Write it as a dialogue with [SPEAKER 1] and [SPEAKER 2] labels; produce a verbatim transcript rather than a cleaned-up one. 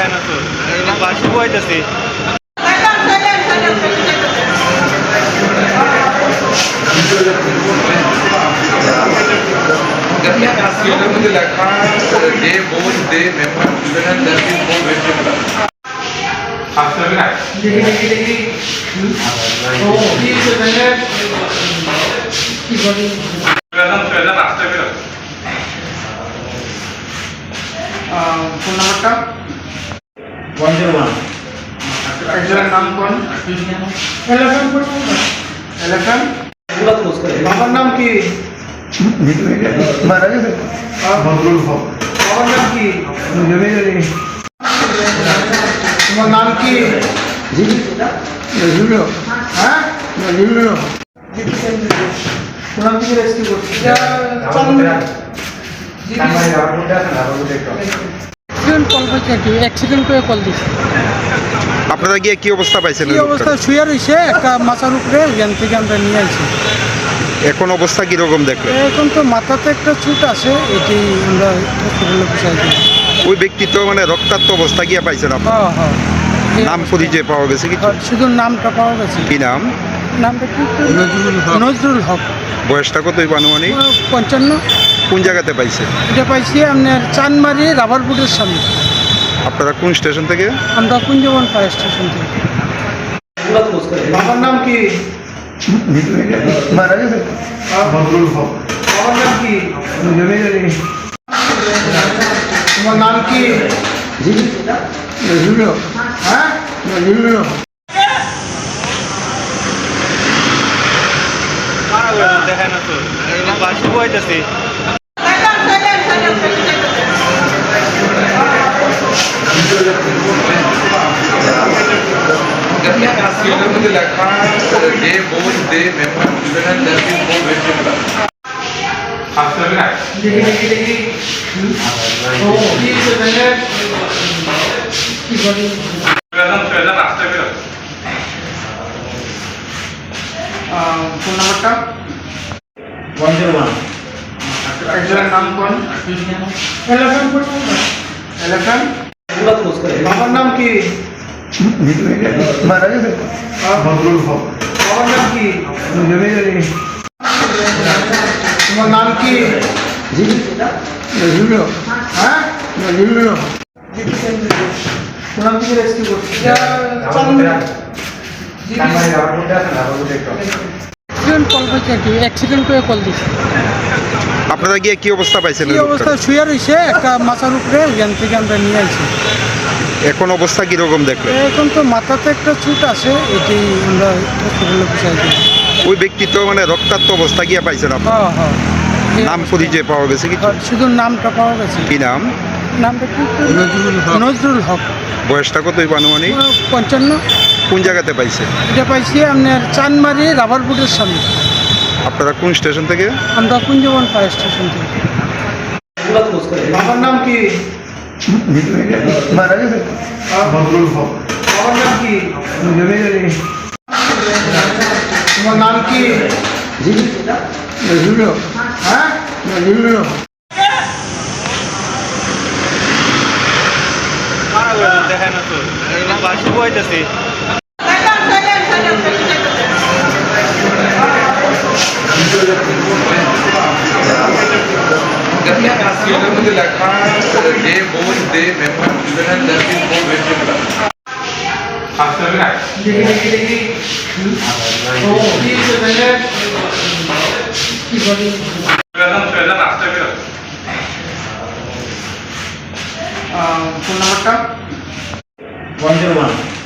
[SPEAKER 1] দেখে না তো বাসি বইতেছি।
[SPEAKER 2] লেখা the bowl the member even that is bowl vegetable আসলে না দেখি দেখি দেখি ও প্লিজ ম্যানেজ কি বলি প্রেজেন্ট প্রেজেন্ট আসতে হবে ফোন নাম্বারটা
[SPEAKER 3] one zero one
[SPEAKER 2] একজনের নাম কোন এলাকান কোন এলাকান
[SPEAKER 3] पूरा क्लोज करें
[SPEAKER 2] বাবার নাম কি
[SPEAKER 4] মারা গেছে
[SPEAKER 2] বদরুল হক বাবার নাম কি
[SPEAKER 4] জমি জমি
[SPEAKER 2] তোমার নাম কি
[SPEAKER 4] জি নজরুল
[SPEAKER 2] হ্যাঁ
[SPEAKER 4] নজরুল
[SPEAKER 2] কোন থেকে রেস্কিউ করছি
[SPEAKER 5] অ্যাক্সিডেন্ট কল পাইছে কি অ্যাক্সিডেন্ট করে কল দিছে।
[SPEAKER 6] আপনারা গিয়ে কি অবস্থা পাইছেন?
[SPEAKER 5] এই অবস্থা শুয়ে রয়েছে একটা মাথার উপরে, জ্ঞান থেকে আমরা নিয়ে আসি।
[SPEAKER 6] এখন অবস্থা কিরকম দেখলেন?
[SPEAKER 5] এখন তো মাথাতে একটা চুট আছে, এটি আমরা হসপিটালে পৌঁছাই দিই।
[SPEAKER 6] ওই ব্যক্তি তো মানে রক্তাক্ত অবস্থা গিয়ে পাইছেন আপনার?
[SPEAKER 5] হ্যাঁ হ্যাঁ এই
[SPEAKER 6] নাম
[SPEAKER 5] অবস্থা।
[SPEAKER 6] পরিচয় পাওয়া গেছে কিছু?
[SPEAKER 5] হ্যাঁ, শুধু নামটা পাওয়া গেছে।
[SPEAKER 6] কি নাম?
[SPEAKER 5] নামটা কি? নজরুল হক। নজরুল হক।
[SPEAKER 6] বয়সটা কতই আনুমানিক?
[SPEAKER 5] পঞ্চান্ন।
[SPEAKER 6] কোন জায়গাতে পাইছে?
[SPEAKER 5] এটা পাইছি আপনার চানমারি রাবার বুটের সামনে।
[SPEAKER 6] আপনারা কোন স্টেশন থেকে?
[SPEAKER 5] আমরা কুঞ্জবন ফায়ার স্টেশন থেকে।
[SPEAKER 3] पूरा क्लोज करें
[SPEAKER 2] বাবার নাম কি
[SPEAKER 4] মারা গেছে
[SPEAKER 2] বদরুল হক বাবার নাম কি
[SPEAKER 4] জমি জমি
[SPEAKER 2] তোমার নাম কি
[SPEAKER 4] জি নজরুল
[SPEAKER 2] হ্যাঁ
[SPEAKER 4] নজরুল
[SPEAKER 1] দেখে না তো বাসি বইতেছি।
[SPEAKER 2] লেখা the bowl the member even that is bowl vegetable আসলে না দেখি দেখি দেখি ও প্লিজ ম্যানেজ কি বলি প্রেজেন্ট প্রেজেন্ট আসতে হবে ফোন নাম্বারটা
[SPEAKER 3] one zero one
[SPEAKER 2] একজনের নাম কোন এলাকান কোন এলাকান
[SPEAKER 3] पूरा क्लोज करें
[SPEAKER 2] বাবার নাম কি
[SPEAKER 4] মারা গেছে
[SPEAKER 2] বদরুল হক বাবার নাম কি
[SPEAKER 4] জমি জমি
[SPEAKER 2] তোমার নাম কি
[SPEAKER 4] জি নজরুল
[SPEAKER 2] হ্যাঁ
[SPEAKER 4] নজরুল
[SPEAKER 2] কোন থেকে রেস্কিউ করছি
[SPEAKER 5] অ্যাক্সিডেন্ট কল পাইছে কি? অ্যাক্সিডেন্ট করে কল দিছে।
[SPEAKER 6] আপনারা গিয়ে কি অবস্থা পাইছেন?
[SPEAKER 5] এই অবস্থা শুয়ে রয়েছে একটা মাথার উপরে, জ্ঞান থেকে আমরা নিয়ে আসি।
[SPEAKER 6] এখন অবস্থা কিরকম দেখলেন?
[SPEAKER 5] এখন তো মাথাতে একটা চুট আছে, এটি আমরা হসপিটালে পৌঁছাই দিই।
[SPEAKER 6] ওই ব্যক্তি তো মানে রক্তাক্ত অবস্থা গিয়ে পাইছেন আপনার?
[SPEAKER 5] হ্যাঁ হ্যাঁ এই
[SPEAKER 6] নাম
[SPEAKER 5] অবস্থা।
[SPEAKER 6] পরিচয় পাওয়া গেছে কিছু?
[SPEAKER 5] হ্যাঁ, শুধু নামটা পাওয়া গেছে।
[SPEAKER 6] কি নাম?
[SPEAKER 5] নামটা কি?
[SPEAKER 4] নজরুল হক
[SPEAKER 5] নজরুল হক।
[SPEAKER 6] বয়সটা কতই আনুমানিক?
[SPEAKER 5] পঞ্চান্ন।
[SPEAKER 6] কোন জায়গাতে পাইছে?
[SPEAKER 5] এটা পাইছি আপনার চানমারি রাবার বুটের সামনে।
[SPEAKER 6] আপনারা কোন স্টেশন থেকে?
[SPEAKER 5] আমরা কুঞ্জবন ফায়ার স্টেশন থেকে।
[SPEAKER 3] पूरा क्लोज करें
[SPEAKER 2] বাবার নাম কি
[SPEAKER 4] মারা গেছে
[SPEAKER 2] বদরুল হক বাবার নাম কি
[SPEAKER 4] জমি জমি
[SPEAKER 2] তোমার নাম কি
[SPEAKER 4] জি নজরুল
[SPEAKER 2] হ্যাঁ
[SPEAKER 4] নজরুল
[SPEAKER 1] দেখে না তো বাসি বইতেছি।
[SPEAKER 2] লেখা the bowl the member even that is bowl vegetable আসলে না দেখি দেখি দেখি ও প্লিজ ম্যানেজ কি বলি প্রেজেন্ট প্রেজেন্ট আসতে হবে ফোন নাম্বারটা
[SPEAKER 3] one zero one